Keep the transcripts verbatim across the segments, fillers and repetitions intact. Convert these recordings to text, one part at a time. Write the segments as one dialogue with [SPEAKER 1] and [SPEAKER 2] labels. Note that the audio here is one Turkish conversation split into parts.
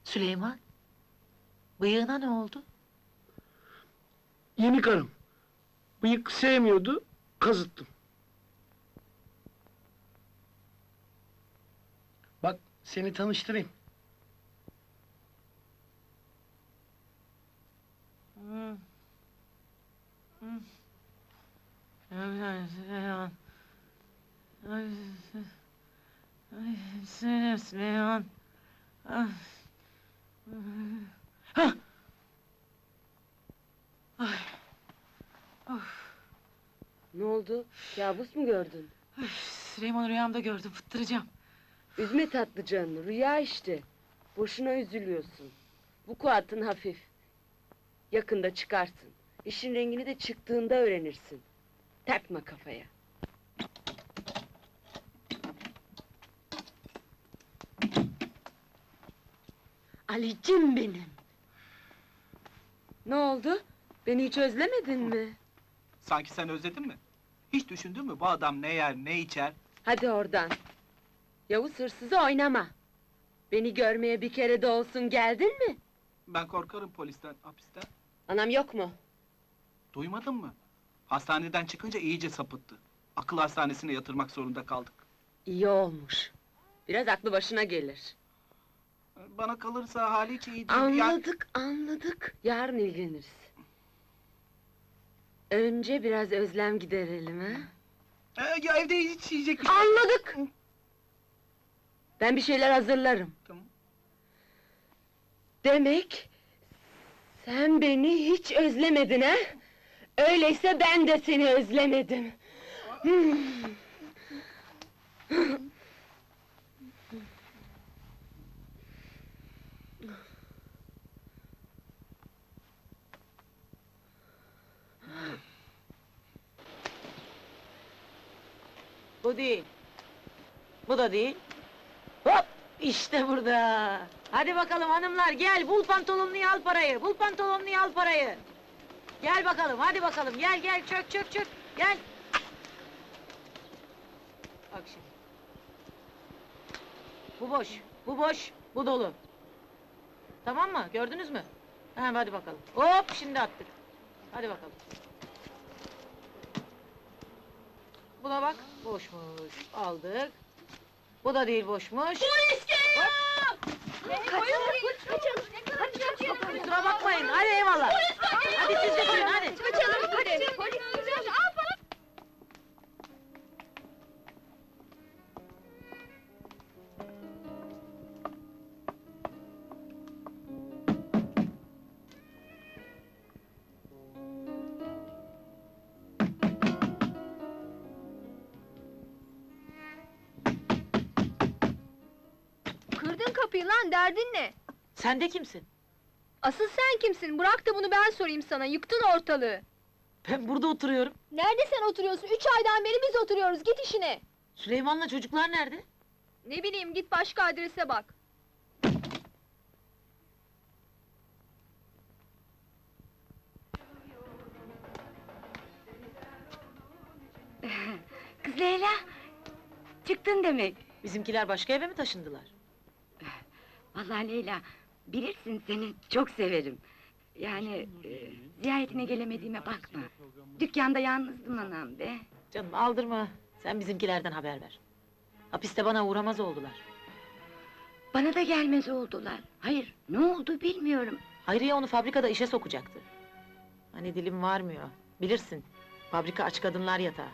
[SPEAKER 1] Süleyman, bıyığına ne oldu?
[SPEAKER 2] Yeni karım. Bıyık sevmiyordu, kazıttım. Bak, seni tanıştırayım.
[SPEAKER 1] Hmm. Hmm. Süleyman. Ay, ay, Süleyman, Süleyman. Ah. Hah! Ay. Of.
[SPEAKER 3] Ne oldu? Kabus mu gördün?
[SPEAKER 1] Ay, Süleyman'ı rüyamda gördüm, fıttıracağım.
[SPEAKER 3] Üzme tatlı canını, rüya işte. Boşuna üzülüyorsun. Bu kuatın hafif. Yakında çıkarsın. İşin rengini de çıktığında öğrenirsin. Takma kafaya. Alicim benim! Ne oldu? Beni hiç özlemedin mi?
[SPEAKER 4] Sanki sen özledin mi? Hiç düşündün mü bu adam ne yer, ne içer?
[SPEAKER 3] Hadi oradan! Yavuz hırsızı oynama! Beni görmeye bir kere de olsun geldin mi?
[SPEAKER 4] Ben korkarım polisten, hapisten.
[SPEAKER 3] Anam yok mu?
[SPEAKER 4] Duymadın mı? Hastaneden çıkınca iyice sapıttı. Akıl hastanesine yatırmak zorunda kaldık.
[SPEAKER 3] İyi olmuş. Biraz aklı başına gelir.
[SPEAKER 4] Bana kalırsa hali hiç iyi değil. Ya-
[SPEAKER 3] Anladık, anladık. Yarın ilgileniriz. Önce biraz özlem giderelim ha?
[SPEAKER 4] Ee, ya evde hiç yiyecek bir şey...
[SPEAKER 3] Anladık! Ben bir şeyler hazırlarım.
[SPEAKER 4] Tamam.
[SPEAKER 3] Demek... sen beni hiç özlemedin ha? Öyleyse ben de seni özlemedim. Hmm.
[SPEAKER 1] Bu değil. Bu da değil. Hop! İşte burada! Hadi bakalım hanımlar, gel! Bul pantolonunu al parayı! Bul pantolonunu al parayı! Gel bakalım, hadi bakalım, gel gel, çök çök çök! Gel! Bak şimdi. Bu boş, bu boş, bu dolu. Tamam mı? Gördünüz mü? Ha, hadi bakalım. Hop! Şimdi attık. Hadi bakalım. Buna bak, boşmuş. Aldık. Bu da değil, boşmuş. Polis geliyor! Kusura bakmayın, hadi eyvallah! Hadi siz de gidin, hadi!
[SPEAKER 5] Kaçalım hadi! Polis geliyor! Al bana! Kırdın kapıyı lan, derdin ne?
[SPEAKER 1] Sen de kimsin?
[SPEAKER 5] Asıl sen kimsin? Bırak da bunu ben sorayım sana, yıktın ortalığı!
[SPEAKER 1] Ben burada oturuyorum.
[SPEAKER 5] Nerede sen oturuyorsun? Üç aydan beri biz oturuyoruz, git işine!
[SPEAKER 1] Süleyman'la çocuklar nerede?
[SPEAKER 5] Ne bileyim, git başka adrese bak!
[SPEAKER 6] Kız Leyla, çıktın demek.
[SPEAKER 1] Bizimkiler başka eve mi taşındılar?
[SPEAKER 6] Vallahi Leyla, bilirsin seni çok severim. Yani e, ziyaretine gelemediğime bakma. Dükkanda yalnızdım anam be.
[SPEAKER 1] Canım aldırma, sen bizimkilerden haber ver. Hapiste bana uğramaz oldular.
[SPEAKER 6] Bana da gelmez oldular. Hayır, ne oldu bilmiyorum.
[SPEAKER 1] Hayriye onu fabrikada işe sokacaktı. Hani dilim varmıyor, bilirsin. Fabrika aç kadınlar yatağı.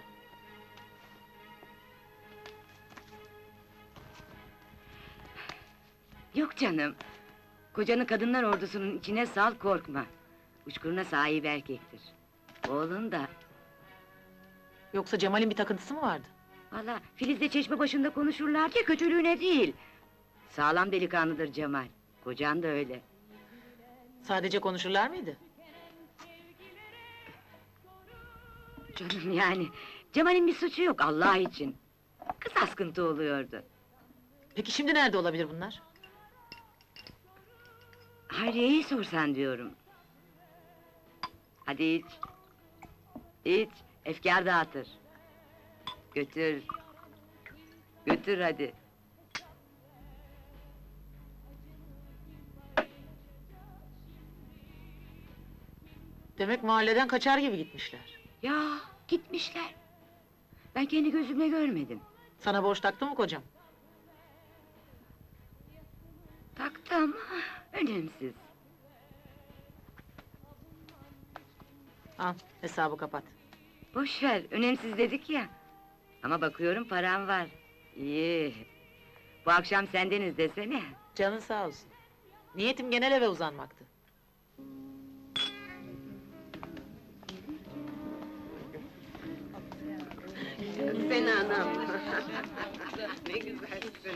[SPEAKER 6] Yok canım. Kocanı kadınlar ordusunun içine sal, korkma. Uçkuruna sahip erkektir. Oğlun da.
[SPEAKER 1] Yoksa Cemal'in bir takıntısı mı vardı?
[SPEAKER 6] Vallahi Filiz'le çeşme başında konuşurlar ki kötülüğüne değil. Sağlam delikanlıdır Cemal. Kocan da öyle.
[SPEAKER 1] Sadece konuşurlar mıydı?
[SPEAKER 6] Canım yani, Cemal'in bir suçu yok Allah için. Kız askıntı oluyordu.
[SPEAKER 1] Peki şimdi nerede olabilir bunlar?
[SPEAKER 6] Hayriye'yi sorsan diyorum. Hadi iç. İç, efkar dağıtır. Götür. Götür hadi.
[SPEAKER 1] Demek mahalleden kaçar gibi gitmişler.
[SPEAKER 6] Ya gitmişler. Ben kendi gözümle görmedim.
[SPEAKER 1] Sana borç taktı mı kocam?
[SPEAKER 6] Taktı ama önemsiz.
[SPEAKER 1] Al, hesabı kapat.
[SPEAKER 6] Boş ver, önemsiz dedik ya. Ama bakıyorum param var. İyi. Bu akşam sendeniz desene.
[SPEAKER 1] Canın sağ olsun. Niyetim genel eve uzanmaktı.
[SPEAKER 3] Sen anam. Ne güzelsin.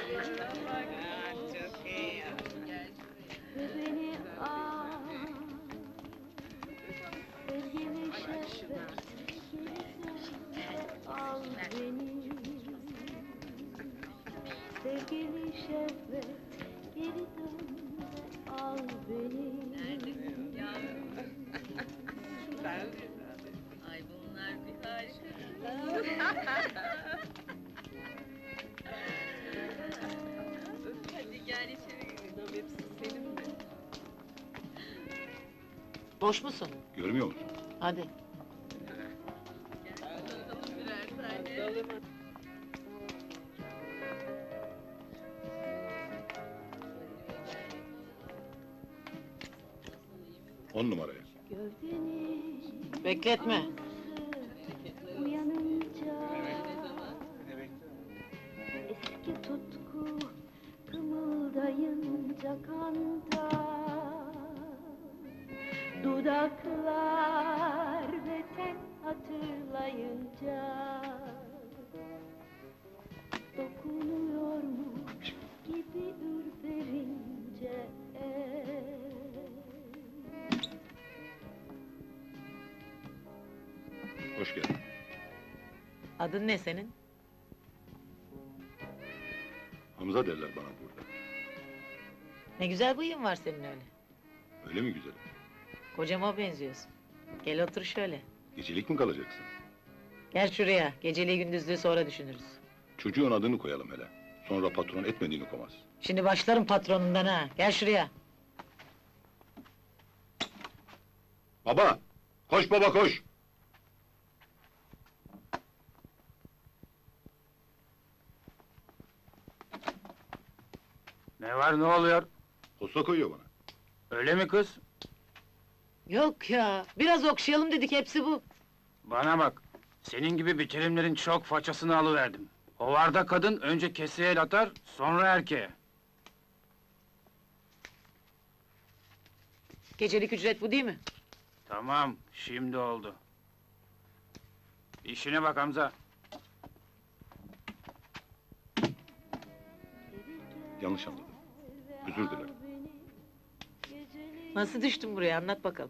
[SPEAKER 7] Sevgili şehvet, geri dön, al beni. Ay bunlar bir harika. Hadi gel içeri gidelim, hepsi senin mi?
[SPEAKER 1] Boş musun?
[SPEAKER 8] Görmüyor musun?
[SPEAKER 1] Hadi.
[SPEAKER 8] On numaraya.
[SPEAKER 7] Gövdeni
[SPEAKER 1] Bekletme.
[SPEAKER 7] uyanınca eski tutku kımıldayınca kanda dudaklar ve ten hatırlayınca dokunuyormuş gibi ürperince
[SPEAKER 8] Hoş geldin.
[SPEAKER 1] Adın ne senin?
[SPEAKER 8] Hamza derler bana burada.
[SPEAKER 1] Ne güzel bıyığın var senin öyle.
[SPEAKER 8] Öyle mi güzelim?
[SPEAKER 1] Kocama benziyorsun. Gel otur şöyle.
[SPEAKER 8] Gecelik mi kalacaksın?
[SPEAKER 1] Gel şuraya. Geceliği gündüzlüğü sonra düşünürüz.
[SPEAKER 8] Çocuğun adını koyalım hele. Sonra patron etmediğini komaz.
[SPEAKER 1] Şimdi başlarım patronundan ha. Gel şuraya.
[SPEAKER 8] Baba! Koş baba koş!
[SPEAKER 2] Ne var, ne oluyor?
[SPEAKER 8] Posta koyuyor bana.
[SPEAKER 2] Öyle mi kız?
[SPEAKER 1] Yok ya. Biraz okşayalım dedik, hepsi bu.
[SPEAKER 2] Bana bak, senin gibi bitirimlerin çok façasını alıverdim. Hovarda kadın önce keseye el atar, sonra erkeğe.
[SPEAKER 1] Gecelik ücret bu değil mi?
[SPEAKER 2] Tamam, şimdi oldu. İşine bak Hamza.
[SPEAKER 8] Yanlış anladım. Özür dilerim.
[SPEAKER 1] Nasıl düştün buraya, anlat bakalım.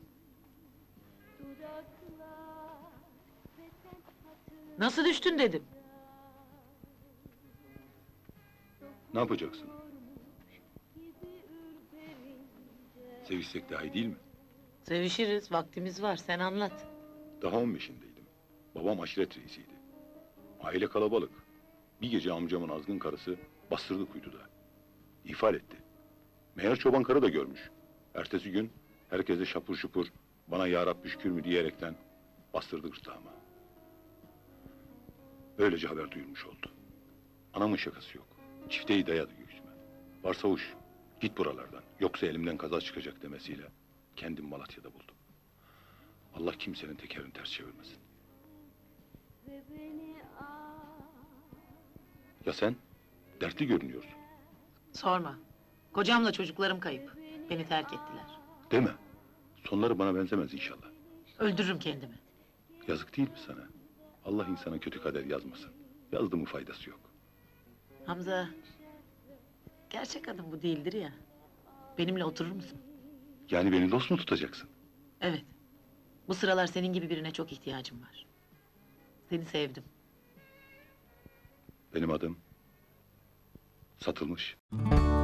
[SPEAKER 1] Nasıl düştün dedim.
[SPEAKER 8] Ne yapacaksın? Sevişsek daha iyi değil mi?
[SPEAKER 1] Sevişiriz, vaktimiz var, sen anlat.
[SPEAKER 8] Daha on beşindeydim. Babam aşiret reisiydi. Aile kalabalık. Bir gece amcamın azgın karısı bastırdı kuytuda. İhfal etti. Meğer çoban karı da görmüş. Ertesi gün herkese şapur şupur bana ya Rabbi şükür mü diyerekten bastırdı gırtlağıma. Böylece haber duyulmuş oldu. Anamın şakası yok. Çifteyi dayadı göğsüme. Varsavuş, git buralardan. Yoksa elimden kaza çıkacak demesiyle kendim Malatya'da buldum. Allah kimsenin tekerini ters çevirmesin. Ya sen? Dertli görünüyorsun.
[SPEAKER 1] Sorma. Kocamla çocuklarım kayıp. Beni terk ettiler.
[SPEAKER 8] Deme. Sonları bana benzemez inşallah.
[SPEAKER 1] Öldürürüm kendimi.
[SPEAKER 8] Yazık değil mi sana? Allah insana kötü kader yazmasın. Yazdı mı faydası yok.
[SPEAKER 1] Hamza, gerçek adım bu değildir ya. Benimle oturur musun?
[SPEAKER 8] Yani beni dost mu tutacaksın?
[SPEAKER 1] Evet. Bu sıralar senin gibi birine çok ihtiyacım var. Seni sevdim.
[SPEAKER 8] Benim adım... Satılmış.